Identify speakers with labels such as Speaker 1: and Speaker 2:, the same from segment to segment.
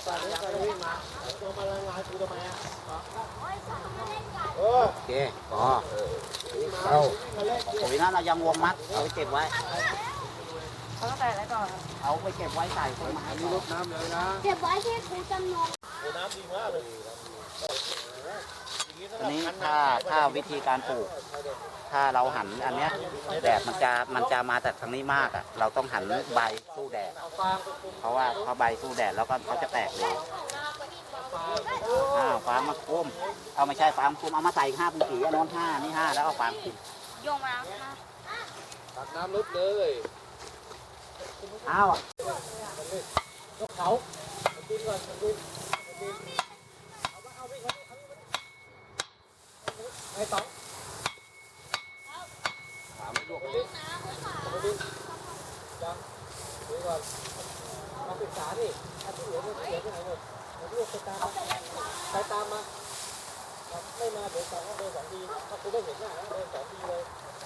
Speaker 1: โอเคพอเอาปุ๋ยนั้นเรายังวงมัดเอาไปเก็บไว้เขาต้องใส่อะไรก่อนเอาไปเก็บไว้ใส่ต้นไม้รดน้ำเลยนะ
Speaker 2: เก็บไว้ที่ครูจำนง
Speaker 3: น้ำดีมากเลย
Speaker 1: อันนี้ถ้าวิธีการปลูกถ้าเราหันอันเนี้ยแดดมันจะมาจากทางนี้มากอ่ะเราต้องหันใบสู้แดดเพราะว่าเขาใบสู้แดดแล้วก็เขาจะแตกเลยฟางมาคุ้มเอาไม่ใช่ฟางคุ้มเอามาใส่5 ปุ่มกี่อันนู้น5นี่5แล้วเอาฟางคุ้ม
Speaker 2: โยงมาแล้วค่ะ
Speaker 3: ตักน้ำลึกเลย
Speaker 1: อ้าว
Speaker 3: เขากินก่อนกินไอ้ต้องถามไม่ลวกเลยยังดูก่อนมาศึกษาดิอาที่เหลือที่ไหนหมดลวกไปตามมาไม่มาเดี๋ยว2 ทีถ้าคุณได้เห็นหน้าเดิน2 ทีเลย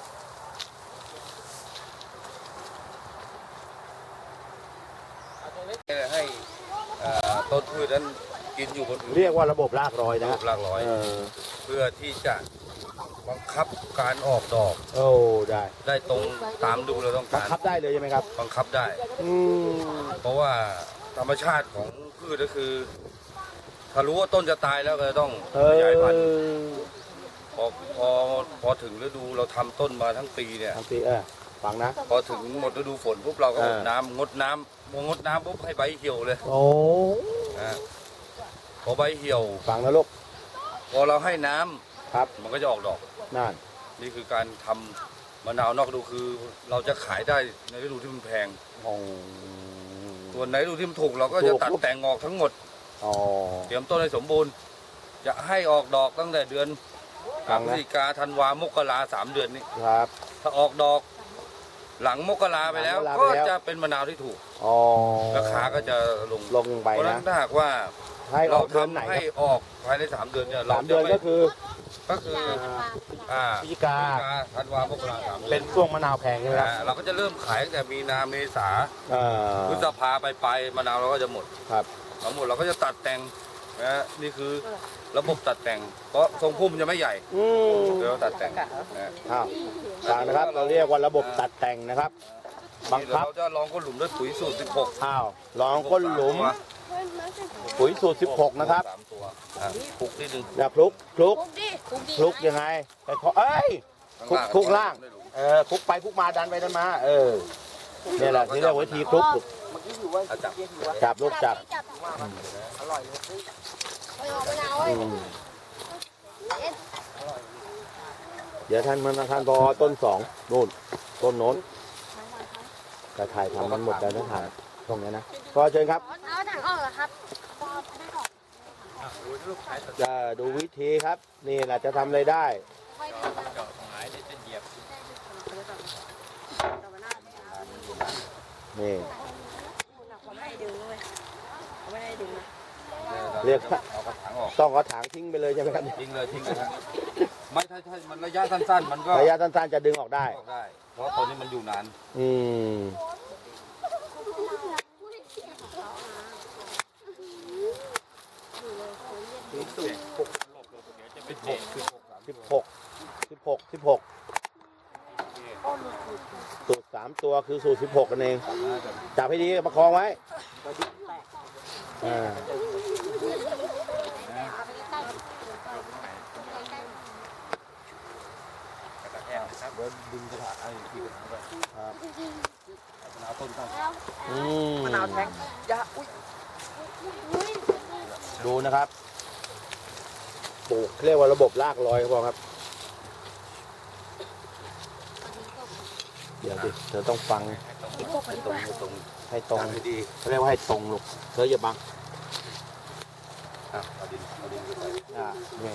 Speaker 3: ให้ต้นพืชนั้นกินอยู่บน
Speaker 4: เรียกว่าระบบรากรอยนะ
Speaker 3: ระบบรากรอยเพื่อที่จะบังคับการออกดอกได้ตรงตามดูเราต้องการ
Speaker 4: บังคับได้เลยใช่ไหมครับ
Speaker 3: บังคับได้เพราะว่าธรรมชาติของพืชก็คือถ้ารู้ว่าต้นจะตายแล้วก็ต้องขยายพันธุ์พอถึงฤดูเราทำต้นมาทั้งปีเนี่ย
Speaker 4: ทั้งปีฟังนะ
Speaker 3: พอถึงหมดฤดูฝนปุ๊บเราก็งดน้ำปุ๊บให้ใบเหี่ยวเลยพอใบเหี่ยว
Speaker 4: ฟังนะลูก
Speaker 3: พอเราให้น้ำ
Speaker 4: ครับ
Speaker 3: มันก็จะออกดอกนี่คือการทำมะนาวนอกฤดูคือเราจะขายได้ในฤดูที่มันแพงส่วนในฤดูที่มันถูกเราก็จะตัดแต่งออกทั้งหมดเตรียมต้นให้สมบูรณ์จะให้ออกดอกตั้งแต่เดือนพฤศจิกาธันวามกรา3 เดือนนี้
Speaker 4: ครับ
Speaker 3: ถ้าออกดอกหลังมกราไปแล้วก็จะเป็นมะนาวที่ถูกราคาก็จะลง
Speaker 4: ไปนะ
Speaker 3: เพราะฉะนั้นถ้าหากว่าเราทำให้ออกภายใน3 เดือนเนี่ย
Speaker 4: 3 เดือนก็คือ
Speaker 3: พฤศจิกาธันวามกรา3 เดือน
Speaker 4: เป็นช่วงมะนาวแพงใช่ไหมครับ
Speaker 3: เราก็จะเริ่มขายตั้งแต่มีนาเมษาพฤษภาไปมะนาวเราก็จะหมด
Speaker 4: ครับ
Speaker 3: หมดเราก็จะตัดแต่งนะนี่คือระบบตัดแต่งเพราะทรงพุ่มจะไม่ใหญ่เดี๋ยวตัดแต่ง
Speaker 4: ฟังนะครับเราเรียกว่าระบบตัดแต่งนะครับ
Speaker 3: บังคับเราจะลองก้นหลุมด้วยปุ๋ยสูตร
Speaker 4: ลองก้นหลุมปุ๋ยสูตร16นะครับ
Speaker 3: 3 ตัวคลุกนิดนึง
Speaker 4: อย่าคลุกยังไงแต่คลุกล่างคลุกไปคลุกมาดันไปดันมาเนี่ยแหละที่เรียกวิธีคลุกจับลูกจับ
Speaker 3: อร่อย
Speaker 4: เดี๋ยวท่านพอต้น2นู่นต้นโน้นกระถ่ายทำมันหมดแล้วนะถ่ายตรงนี้นะพอเชิญครับ
Speaker 2: เอาถังออกเหรอครับ
Speaker 4: จะดูวิธีครับนี่แหละจะทำอะไรได้นี่เรียกต้องเอาถังทิ้งไปเลยใช่ไหมครับ
Speaker 3: ทิ้งเลยไม่ถ้ามันระยะสั้นๆมันก็
Speaker 4: ระยะสั้นๆจะดึงออกได้
Speaker 3: เพราะตอนนี้มันอยู่นาน
Speaker 4: 16สูตร3 ตัวคือสูตร16กันเองจับให้ดีประคองไว้
Speaker 3: ดึงกระถางไอ้ที่กระถางไปมะนาวต้นตั้ง
Speaker 1: มะนาวแทงยา
Speaker 4: ดูนะครับปลูกเรียกว่าระบบรากรอยครับเดี๋ยวดิเธอต้องฟังให้ตรง
Speaker 3: ดี
Speaker 4: เรียกว่าให้ตรงลูกเธออย่าบัง
Speaker 3: เอาดินไปใส่
Speaker 4: นี่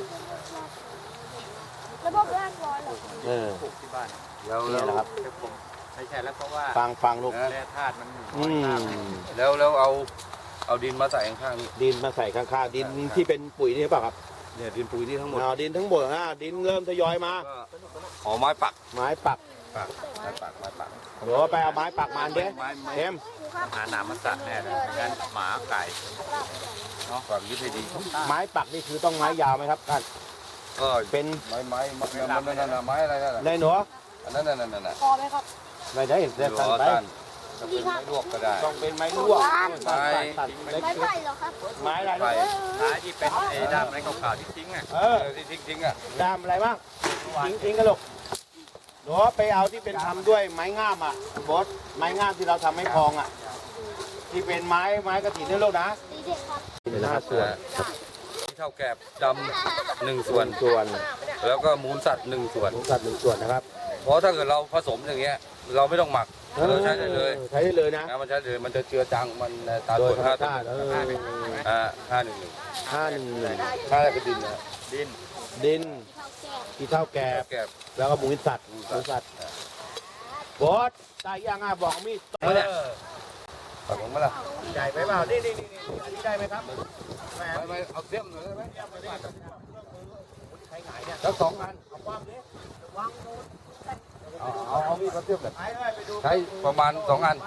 Speaker 2: ระบบรากรอย
Speaker 3: ปลูกที่บ้าน
Speaker 4: นี่แหละครับ
Speaker 3: ไม่ใช่แล้วเพราะว่า
Speaker 4: ฟังลูก
Speaker 3: แร่ธาตุมันแล้วเอาดินมาใส่ข้างๆนี่
Speaker 4: ดินมาใส่ข้างๆดินที่เป็นปุ๋ยนี่เปล่าครับ
Speaker 3: เนี่ยดินปุ๋ยนี่ทั้งหมด
Speaker 4: ดินทั้งหมดดินเริ่มทยอยมา
Speaker 3: ไม้ปักปัก
Speaker 4: เดี๋ยวไปเอาไม้ปักมันดิเอ็ม
Speaker 5: หาหนามมาสัตว์แน่เลยงั้นหมาไก่
Speaker 3: เนาะความยึดให้ดี
Speaker 4: ไม้ปักนี่คือต้องไม้ยาวไหมครับท่าน
Speaker 3: ก็
Speaker 4: เป็น
Speaker 3: ไม้นั่นน่ะไม้อะไรนั่นน่ะ
Speaker 4: ในหนู
Speaker 3: อันนั้นน่ะ
Speaker 2: พอไหมครับ
Speaker 4: ไม่ได้เด็ด
Speaker 3: ร
Speaker 4: สั้น
Speaker 3: อ
Speaker 4: ไป
Speaker 3: ต้านจะเป็นไม้ลวกก็ได้
Speaker 4: ต้องเป็นไม้ลวกตัดเล็ก
Speaker 2: ไม่ไผ่เหรอครับ
Speaker 4: ไม้อะไร
Speaker 3: ไป
Speaker 5: ท้ายที่เป็นไอ้ด้ามไม้ขาวๆที่ทิ้งอ่ะ
Speaker 4: เออ
Speaker 3: ที่ทิ้งอ่ะ
Speaker 4: ดามอะไรบ้างทิ้งกันลูกหนูไปเอาที่เป็นทำด้วยไม้งามอ่ะบอสไม้งามที่เราทำให้พองอ่ะ ที่เป็นไม้กระถิ่นนี่ลูกนะ
Speaker 2: ดีเด็กครับ
Speaker 4: เป็น5 ส่วน
Speaker 3: ที่เท่าแกบดำ1 ส่วน
Speaker 4: ส่วน
Speaker 3: แล้วก็มูลสัตว์1 ส่วน
Speaker 4: หมูสัตว์1 ส่วนนะครับ
Speaker 3: เพราะถ้าเกิดเราผสมอย่างเงี้ย เราไม่ต้องหมักเราใช้ได้เลย
Speaker 4: ใช้ได้เลยนะ
Speaker 3: นะมันใช้เลยมันจะเจือจางมันตาม
Speaker 4: โด
Speaker 3: ก
Speaker 4: ย
Speaker 3: ฎ
Speaker 4: ธรรม
Speaker 3: 5
Speaker 4: ชาติ
Speaker 3: 511
Speaker 4: 511
Speaker 3: 5อะไรก็ดินนะ
Speaker 4: ดิน
Speaker 2: ที่เขาแก่
Speaker 4: ที่เท่าแก่
Speaker 3: แกบ
Speaker 4: แล้วก็หมูสัตว์บอสได้ยังอ่ะบอกมีด
Speaker 3: เนี่ยตัดลงมาละ
Speaker 4: ใหญ่ไปเปล่านี่อันนี้ได้ไหมครับแหม
Speaker 3: ไม่เอาเสี้ยมหน่อยได้ไหม
Speaker 4: ใช้ไหนเนี่ย
Speaker 3: สัก2 อัน
Speaker 4: เอาความนี้
Speaker 3: เอามีดมาเสี้ยมเลย
Speaker 4: ไปเลยไปดู
Speaker 3: ใช้ประมาณ2 อัน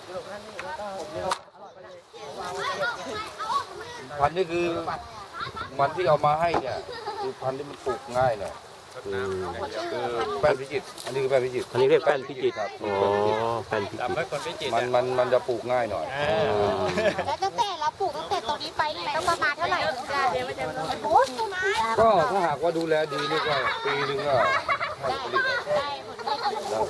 Speaker 3: พันธุ์นี่คือมันที่เอามาให้เนี่ยคือพันธุ์ที่มันปลูกง่ายหน่อยคือแป้นพิจิตรอันนี้คือแป้นพิจิตร
Speaker 4: อันนี้เรียกแป้นพิจิตร
Speaker 3: ครับ
Speaker 4: อ๋อแป้นพิจิ
Speaker 5: จำ
Speaker 4: ตร
Speaker 5: ไว้คนไม่จิต
Speaker 3: มันจะปลูกง่ายหน่อย
Speaker 2: แล้วตั้งแต่เราปลูกตั้งแต่ตรงนี้ไปนี่ต้องประมาณเท่าไหร่ถึงจะโอ้ต้นไม้
Speaker 3: ก็ถ้าหากว่าดูแลดีนี่ก็ปีหนึงก็ให้ผลิต
Speaker 2: ได้ผลได้ผล
Speaker 3: แล้ว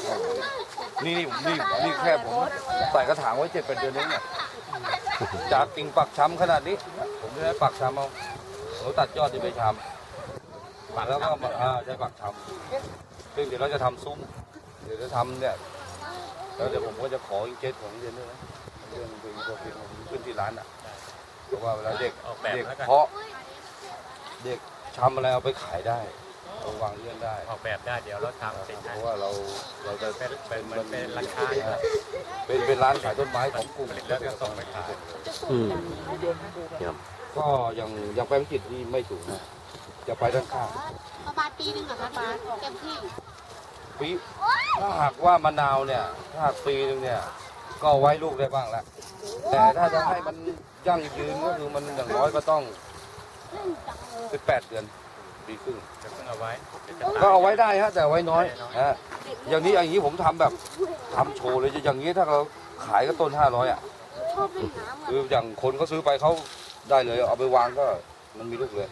Speaker 3: นี่แค่ผมใส่กระถางไว้7-8 เดือนเองเนี่ยจากกิ่งปักช้ำขนาดนี้ ผมจะได้ปักช้ำเอาเราตัดยอดที่ไปช้ำแล้วก็มาใช้ปักช้ำซึ่งเดี๋ยวเราจะทำซุ้มเดี๋ยวจะทำเนี่ยแล้วเดี๋ยวผมก็จะขออิงเกตของเรียนด้วยนะเรื่องเพลงตัวเพลงขึ้นที่ร้านอ่ะเพราะว่าเวลาเด็ก
Speaker 5: ออกแบบ
Speaker 3: เด็ก
Speaker 5: แล้วกัน
Speaker 3: เพาะเด็กทำอะไรเอาไปขายได้เอาวางเรื่องได้
Speaker 5: ออกแบบได้เดี๋ยวเราทำเสร็จ
Speaker 3: เพ
Speaker 5: ให้
Speaker 3: ราะว่าเราจะ
Speaker 5: เป็นเหมือนเป็นร้านค้า
Speaker 3: เป็นร้านขายต้นไม้ของกลุ่ม
Speaker 5: แล้วก็ส่งไปขาย
Speaker 3: ก็ยังไปพิจิตรที่ไม่สูงนะจะไปด้านข้าง
Speaker 2: ประมาณปีหนึ่งเหรอครับป้าเต็มที่
Speaker 3: ปีถ้าหากว่ามะนาวเนี่ยถ้าหากปีนึงเนี่ยก็ไว้ลูกได้บ้างแล้วแต่ถ้าจะให้มันยั่งยืนก็คือมันอย่างน้อยก็ต้อง18 เดือนปีครึ่ง
Speaker 5: จะเพิ่งเอาไว้
Speaker 3: ก็เอาไว้ได้ฮะแต่ไว้น้อยอย่างนี้ผมทำแบบทำโชว์เลยอย่างนี้ถ้าเราขายก็ต้น500อ่ะ
Speaker 2: ชอบเล่นน้ำ
Speaker 3: คืออย่างคนเขาซื้อไปเขาได้เลยเอาไปวางก็มันมีลูกเลย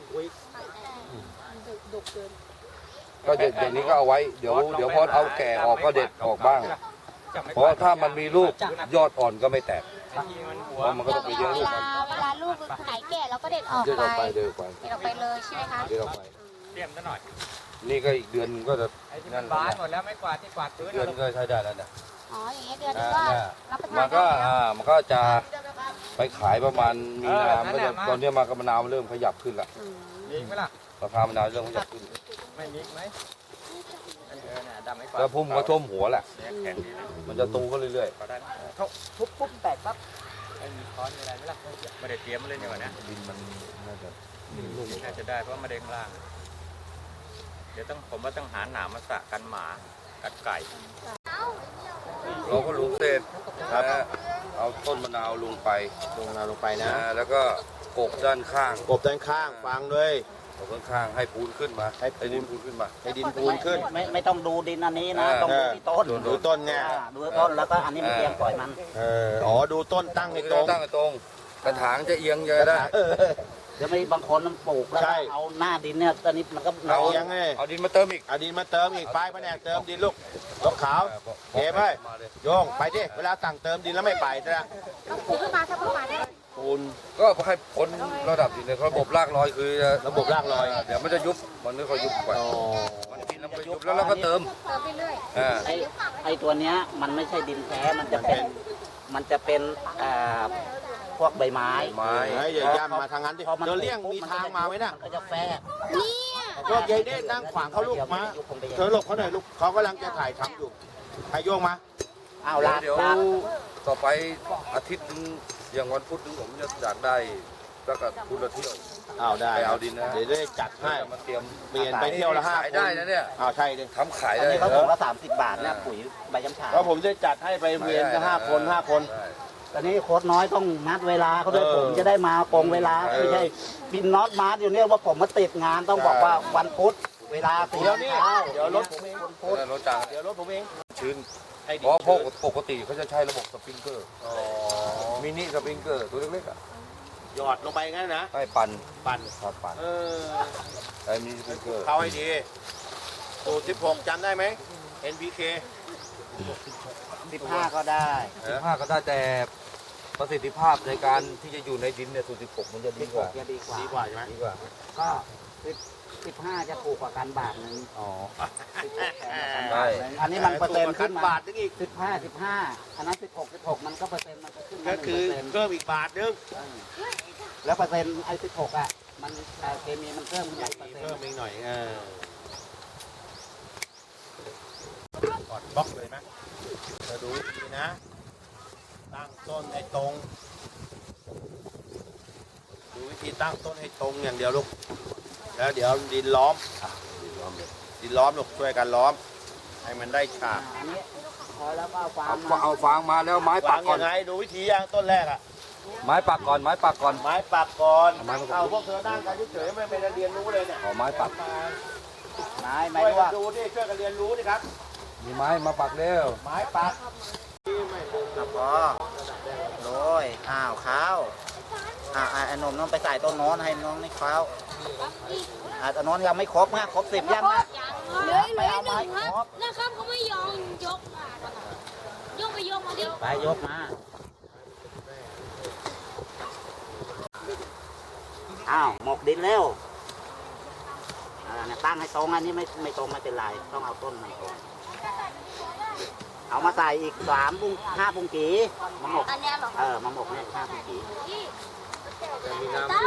Speaker 3: ก็อย่างนี้ก็เอาไว้เดี๋ยวพอเอาแก่ออกก็เด็ดออกบ้าง เพราะถ้ามันมีลูกยอดอ่อนก็ไม่แตกเพราะมันก็ต้องไปเลี้ยงลูกมัน
Speaker 2: เวลาลูกไหนแก่เราก็เด็ดออก
Speaker 3: เดินออก
Speaker 2: ไป
Speaker 3: ไปเดินออกไป
Speaker 2: เด็ดออกไปเลยใช่ไหมคะ
Speaker 3: เดินออกไป
Speaker 5: เตรียมซะหน่อย
Speaker 3: นี่ก็อีกเดือนก็จะ
Speaker 5: ไอ้ที่มันบานหมดแล้วไม่กวาดที่กวาดพื้น
Speaker 3: เดือนก็ใช้ได้แล้วนะ
Speaker 2: อ๋ออย่างเงี้ยเดือนนึงก็รับประทาน
Speaker 3: มันก็
Speaker 2: ได้
Speaker 3: มันก็จะไปขายประมาณมีนาตอนนี้มากระมะนาวเริ่มขยับขึ้นละ
Speaker 5: มีไหมล่ะ
Speaker 3: ราคามะนาวเริ่มขยับขึ้น
Speaker 5: ไม่มีไหมน่ะดำไม่กวาด
Speaker 3: แล้วพุ่มก็ท่วมหัวแหละ
Speaker 5: เนี่ยแข็งดีนะ
Speaker 3: มันจะโตขึ้นเรื่อย
Speaker 5: ก็ได้ทุบปุ๊บแตกปั๊บไม่มีค้อนมีอะไรไหมล่ะไม่ได้เตรียมมาเลยนี่หว่านะ
Speaker 3: ๆดินมันน่าจะ
Speaker 5: น่าจะได้เพราะมะเร็งล่าง เดี๋ยวผมว่าต้องหาหนามมาสะกันหมากันไก่
Speaker 3: เราก็ลุงเสร็จเอาต้นมะนาวลงไป
Speaker 4: ลงนาลงไปนะ
Speaker 3: แล้วก็กบด้านข้าง
Speaker 4: กบด้านข้างฟังเลย
Speaker 3: กบด้านข้างให้ปูนขึ้นมา
Speaker 4: ให้ปูน
Speaker 3: ดินปูนขึ้นมา
Speaker 4: ให้ดินปูนขึ้น
Speaker 1: ไม่ต้องดูดินอันนี้นะ ต้องดูที่ต้น
Speaker 4: ดูต้นไง
Speaker 1: ดูต้นแล้วก็อันนี้มันเตรียมปล่อยมัน
Speaker 4: อ๋อดูต้นตั้งให้
Speaker 3: นี่
Speaker 4: ต
Speaker 3: ต้
Speaker 4: ร
Speaker 3: อง
Speaker 4: ง
Speaker 3: ตั้งให้ตรง กระถางจะเอียงจะได้
Speaker 1: เดี๋ยวไม่บางคนมันปลูกแล้ว
Speaker 4: ใช่
Speaker 1: เอาหน้าดินเนี่ยตอนนี้มันก็
Speaker 4: เอายังไง
Speaker 3: เอาดินมาเติมอีก
Speaker 4: เอาดินมาเติมอีกไฟแผนกเติมดินลูกยกขาว เก็บไว้
Speaker 3: มาเลย
Speaker 4: โยงไปดิเวลาสั่งเติมดินแล้วไม่ไปนะ
Speaker 2: ต้องปลูกขึ้นมาถ้าปลูกมาได้
Speaker 4: ปูน
Speaker 3: ก็ให้พ้นระดับดินในระบบรากลอยคือ
Speaker 4: ระบบรากลอย
Speaker 3: เดี๋ยวมันจะยุบมันไม่ค่อยยุบไป
Speaker 4: อ๋อ
Speaker 3: มันกินแล้วมันก็ยุบแล้วเราก็เติม
Speaker 2: เติมไปเรื่อย
Speaker 1: ไอ้ตัวเนี้ยมันไม่ใช่ดินแท้มันจะเป็นพวกใบไม้
Speaker 3: ไม้
Speaker 4: เฮ้ยอย่าย่ำมาทางนั้นดิ
Speaker 1: พอมัน
Speaker 4: เธอเลี่ยงมีทางมาไหมน่ะ
Speaker 1: มันก็จะแฝก
Speaker 4: พวกยายเด้นั่งขวางเขาลูกมาเธอหลบเขาหน่อยลูกเขากำลังจะถ่ายทำอยู่ให้โยงมา
Speaker 1: อ้าวลาก
Speaker 3: เดี๋ยว
Speaker 1: ลาก
Speaker 3: ต่อไปอาทิตย์นึงอย่างวันพุธนึงผมจะอยากได้แล้วก็คุณละเที่ยว
Speaker 4: เอาได้
Speaker 3: ไปเอาดินนะ
Speaker 4: เดี๋ยวได้จัดให้
Speaker 3: มาเตรียม
Speaker 4: เปลี่ยนไปเที่ยวละ5
Speaker 3: ขายได้นะเนี่ย
Speaker 4: เอาใช่ดิ
Speaker 3: ทำขาย
Speaker 1: อัน
Speaker 3: ได้
Speaker 1: นี้เขา
Speaker 3: เหร
Speaker 1: ถุง
Speaker 3: อ
Speaker 1: ละ30 บาทเนี่ยปุ๋ยใบย้ำฉา
Speaker 4: แล้วผมจะจัดให้ไปเวียนก็5 คน 5 คน
Speaker 3: ได้
Speaker 1: ตอนนี้โค้ดน้อยต้องนัดเวลาเขาด้วยผมจะได้มาตรงเวลาไม่ใช่บินน็อตมาร์ทอยู่เนี่ยว่าผมมาติดงานต้องบอกว่าวันพุธเวลา4
Speaker 4: เดี๋ยวนี้
Speaker 1: เช้า
Speaker 4: เดี๋ยวรถผมเอง
Speaker 3: ได้รถจัง
Speaker 4: เดี๋ยวรถผมเอง
Speaker 3: ชื้น
Speaker 4: ให้
Speaker 3: เพ
Speaker 4: ดี
Speaker 3: ราะพวกปกติเขาจะใช้ระบบสปริงเกอร์
Speaker 4: อ๋อ
Speaker 3: มินิสปริงเกอร์ตัวเล็กๆอ่ะ
Speaker 4: หยอดลงไปงั้นนะ
Speaker 3: ให้ปั่น
Speaker 4: ปั่น
Speaker 3: ครับปั่น
Speaker 4: เออ
Speaker 3: ใช้มินิสปริงเกอร์
Speaker 4: เข้าให้ดีสูตร16จำได้ไหม NPK
Speaker 1: 15 ก็ได้
Speaker 3: 15ก็ได้แต่ประสิทธิภาพในการที่จะอยู่ในดินเนี่ยสูตร16มันจะดีกว่า
Speaker 1: 16จะดีกว่า
Speaker 4: ดีกว่าใช่ไหม
Speaker 3: ดีกว่า
Speaker 1: ก็15จะถูกกว่ากันบาทหนึง
Speaker 3: อ๋อ
Speaker 1: 16อันนี้มันเปอร์เซ็นต์ขึ้นมา
Speaker 4: บาทนึงอีก
Speaker 1: 15 อันนั้น16มันก็เปอร์เซ็นต์มันก็ขึ้นมา
Speaker 4: ก็คือ
Speaker 1: 1%
Speaker 4: เพิ่มอีกบาทนึง
Speaker 1: แล้วเปอร์เซ็นต์ไอ้16อ่ะมันเคมีมันเพิ่มขึ้นมาเปอร์เซ็น
Speaker 4: เพิ่ม
Speaker 1: ต์
Speaker 4: อีกหน่อยกดบล็อกเลยไหมจะดูวิธีนะ ตั้งต้นให้ตรง ดูวิธีตั้งต้นให้ตรงอย่างเดียวลูก แล้วเดี๋ยวดินล้อม ดินล้อมลูกช่วยกันล้อม ให้มันได้ฉาก
Speaker 1: อันนี้พอแล้วก็เอาฟาง
Speaker 3: เอาฟางมาแล้วไม้ปั
Speaker 4: วาก ง
Speaker 3: ก่อ
Speaker 4: ยั
Speaker 3: น
Speaker 4: งไงดูวิธีอย่างต้นแรกอะ
Speaker 3: ไม้ปักก่อนไม้ปักก่อน
Speaker 4: ไม้ปักก่อน
Speaker 3: เอาไม้ปักก่อน
Speaker 4: เอาพวกเธอนั่งกันเฉยๆไม่ได้เรียนรู้เลยเนี่ย
Speaker 3: ขอไม้ปัก
Speaker 1: ไม้ไม้
Speaker 4: ช่วย
Speaker 1: ลว
Speaker 4: กัน
Speaker 1: ก
Speaker 4: ดูดิช่วยกันเรียนรู้ดิครับ
Speaker 3: มีไม้มาปักเร็ว
Speaker 4: ไม้ปัก
Speaker 1: ครับพอโรยข้าวไอ้หนุ่มน้องไปใส่ต้นโน้นให้น้องนี่ข้าวต้นโน้นยังไม่ครบนะครบ10ยังนะ
Speaker 2: เหลือ1ครับนะครับเขาไม่ยอมยกมายกไปยกมาดิ
Speaker 1: ไปยกมาหมกดินเร็วเนี่ยตั้งให้ตรงอันนี้ไม่ตรงไม่เป็นไรต้องเอาต้นมาตรงเอามาใส่อีก3 ปุ้ง 5 ปุ้งกีมาหมก
Speaker 2: อันเนี้ยเหรอ
Speaker 1: มาหมกเนี่ย5 ปุ้งกี
Speaker 2: ตั้